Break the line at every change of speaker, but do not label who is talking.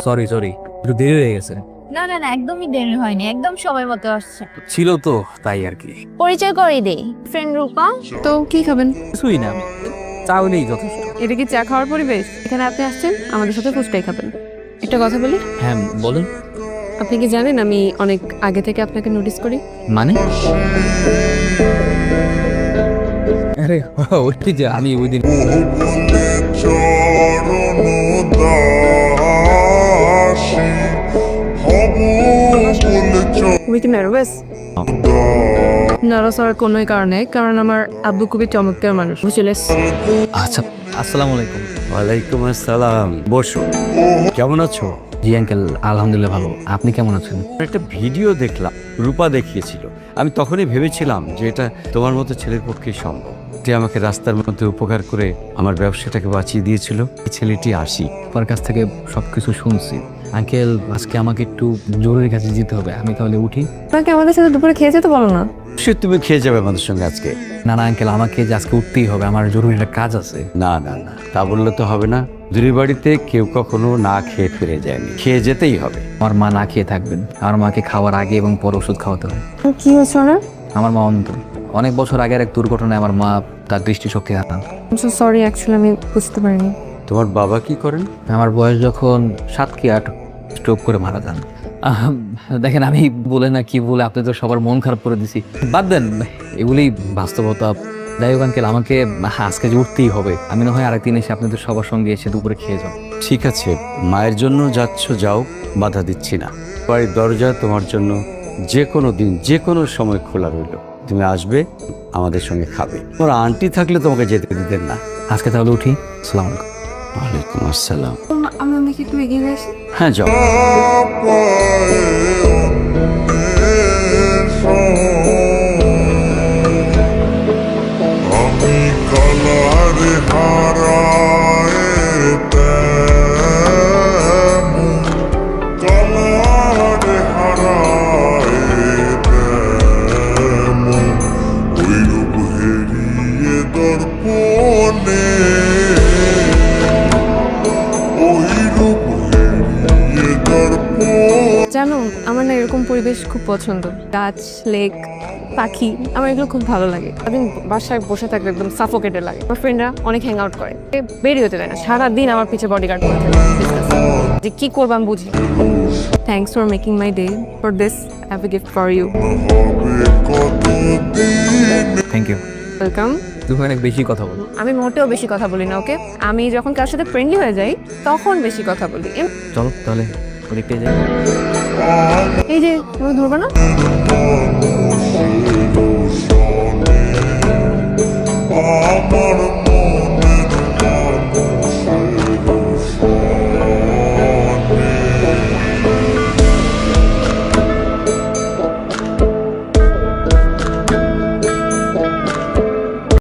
Sorry sorry, একটু দেরি হয়ে গেছে।
না না না, একদমই দেরি হয়নি, একদম সময় মতো আসছে।
ছিল তো তাই আর কি।
পরিচয় করেই দেই, ফ্রেন্ড রূপা।
তো কি খাবেন?
কিছুই না, চা হলেই যথেষ্ট।
এটা কি চা খাওয়ার পরিবেশ? এখানে আপনি আসছেন, আমাদের সাথে ফুচকাই খাবেন। একটা কথা বলি,
হ্যাঁ বলেন।
আপনি কি জানেন আমি অনেক আগে থেকে আপনাকে নোটিস করি?
মানে? আরে ওই যে আমি ওই দিন
তুমি কি নার্ভাস? নার্ভাস হওয়ার কোনো কারণে, কারণ আমার আব্বু খুবই চমৎকার মানুষ, বুঝলে?
আচ্ছা, আসসালামু আলাইকুম।
ওয়ালাইকুম আসসালাম, বসো। কেমন আছো?
জি আঙ্কেল, আলহামদুলিল্লাহ ভালো। আপনি কেমন আছেন?
একটা ভিডিও দেখলাম, রূপা দেখিয়েছিল। আমি তখনই ভেবেছিলাম যে এটা তোমার মতো ছেলের পক্ষে সম্ভব, যে আমাকে রাস্তার মধ্যে উপকার করে আমার ব্যবসাটাকে বাঁচিয়ে দিয়েছিল। এই ছেলেটি আসি।
আপনার কাছ থেকে সবকিছু শুনছি আঙ্কেল। আজকে আমাকে একটু জরুরি কাজে যেতে হবে, আমি তাহলে উঠি।
আপনাকে আমাদের সাথে দুপুরে খেয়ে যেতে বলো না?
সে তুমি খেয়ে যাবে আমাদের সঙ্গে আজকে?
না না আঙ্কেল, আমাকে যে আজকে উঠতেই হবে, আমার জরুরি একটা কাজ আছে।
না না না, তা বললে তো হবে না। দূরের বাড়িতে কেউ কখনো না খেয়ে ফিরে যায়নি, খেয়ে যেতেই হবে।
আমার মা না খেয়ে থাকবেন, আমার মাকে খাওয়ার আগে এবং পরে ওষুধ খাওয়াতে হয়।
কি হয়েছে না?
আমার মা অন্ধ। অনেক বছর আগের এক দুর্ঘটনায় আমার মা তার দৃষ্টিশক্তি হারান।
সরি, অ্যাকচুয়ালি আমি বুঝতে পারিনি।
তোমার বাবা কি করেন?
আমার বয়স যখন 7 কি 8, স্ট্রোক করে মারা যান। দেখেন, আমি বলে না কি বলে আপনি তো সবার মন খারাপ করে দিছি। বাদ দেন, এগুলি বাস্তবতা। যাই হোক আঙ্কেল, আমাকে আজকে যে উঠতেই হবে। আমি না হয় আরেকদিন এসে আপনাদের সবার সঙ্গে এসে দুপুরে খেয়ে যাও।
ঠিক আছে, মায়ের জন্য যাচ্ছ যাও, বাধা দিচ্ছি না। বাড়ির দরজা তোমার জন্য যে কোনো দিন যে কোনো সময় খোলা রইল। তুমি আসবে, আমাদের সঙ্গে খাবে। তোমার আন্টি থাকলে তোমাকে যেতে দিতেন না।
আজকে তাহলে উঠি। আসসালামু আলাইকুম।
ওয়ালাইকুম আসসালাম।
আমরা দেখি একটু এগিয়ে আসি।
হ্যাঁ যাও।
আমি কালারে হারায় তেমন, কালারে হারায় তেমন, ওই রূপ হেরিয়ে দর্পণে, ওই রূপ হেরিয়ে দর্পণে।
জানো, আমার না এরকম পরিবেশ খুব পছন্দ। গাছ, লেক, পাখি, আমার এগুলো খুব ভালো লাগে। আমি বাসায় বসে থাকলে একদম সাফোকেটেড লাগে। আমার ফ্রেন্ডরা অনেক হ্যাং আউট করে, বেরিয়ে হতে দেয় না, সারাদিন আমার পিছে বডিগার্ড করে থাকে। যে কি করবো আমি বুঝি। Thanks for making my day. For this I have a gift for you.
Thank you.
Welcome.
তুমি অনেক বেশি কথা বলো।
আমি মোটেও বেশি কথা বলি না, ওকে? আমি যখন কার সাথে ফ্রেন্ডলি হয়ে যাই তখন বেশি কথা বলি।
চলো তাহলে ওদিকটাই যাই।
এই যে তুমি ধরবে না?
আমার